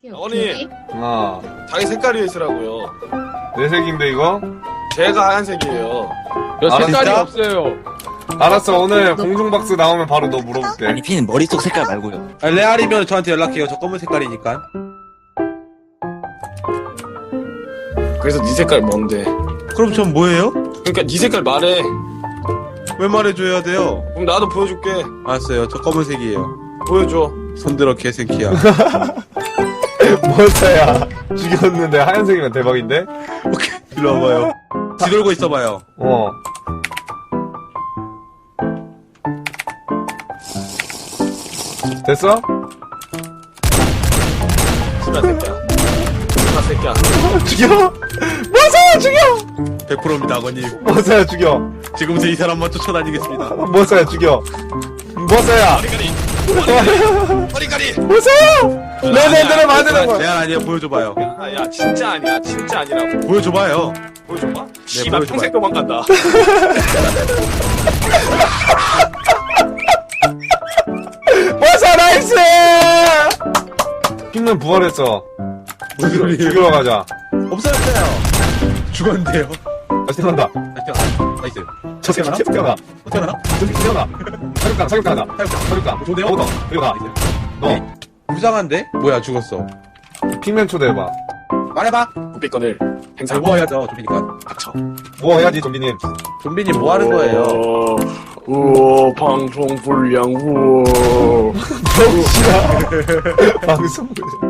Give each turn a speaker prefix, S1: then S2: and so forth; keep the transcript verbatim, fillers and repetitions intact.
S1: 어머니,
S2: 아,
S1: 자기 색깔이 있으라고요.
S2: 내 색인데 이거?
S1: 제가 하얀색이에요.
S3: 야,
S2: 아,
S3: 색깔이
S2: 진짜?
S3: 없어요.
S2: 알았어, 오늘 공중박스 나오면 바로 너 물어볼게.
S4: 아니 피는 머릿속 색깔 말고요.
S5: 아, 레알이면 저한테 연락해요. 저 검은 색깔이니까.
S1: 그래서 네 색깔 뭔데?
S5: 그럼 전 뭐예요?
S1: 그러니까 네 색깔 말해.
S5: 왜 말해줘야 돼요?
S1: 그럼 나도 보여줄게.
S5: 알았어요. 저 검은색이에요.
S1: 보여줘.
S5: 손들어 개새끼야.
S2: 뭐야? 죽였는데 하얀색이면 대박인데?
S5: 오케이. 일로 와봐요. 뒤돌고 있어봐요.
S2: 어. 됐어?
S1: 씨발 새끼야. 씨발 새끼야.
S2: 죽여! 뭐사야 죽여!
S5: 백 퍼센트입니다, 아버님.
S2: 뭐사야 죽여!
S5: 지금부터 이 사람만 쫓아다니겠습니다.
S2: 뭐사야 죽여! 뭐사야!
S1: 허리가리. 허리가리.
S2: 뭐사야! 내 멘트를 만드는 거야!
S5: 레알 아니에요. 보여줘봐요.
S1: 아, 야, 진짜 아니야. 진짜 아니라고.
S5: 보여줘봐요.
S1: 보여줘봐. 씨발
S5: 보여줘봐.
S1: 평생 도망간다.
S2: 뭐사 나이스! 핑맨 부활했어.
S5: 무슨
S2: 죽이러,
S5: 소리예요?
S2: 죽이러 가자.
S5: 없어졌어요. 죽었는데요.
S2: 다시 태어난다.
S5: 나이스.
S2: 저 새끼 계속 태어나.
S5: 어떻게 하나?
S2: 저 새끼 태어나. 사육강, 사육강이다. 사육강.
S5: 좋네요.
S2: 어, 너. 이거 나. 너.
S5: 불쌍한데? 뭐야, 죽었어.
S2: 핑맨 초대해봐.
S5: 말해봐.
S1: 국비권을 행사.
S5: 뭐 해야죠, 좀비니까.
S1: 닥쳐.
S2: 뭐 해야지, 좀비님.
S5: 좀비님 뭐 하는 거예요?
S1: 우와, 방송 불량, 우와.
S2: 병신아. 방송.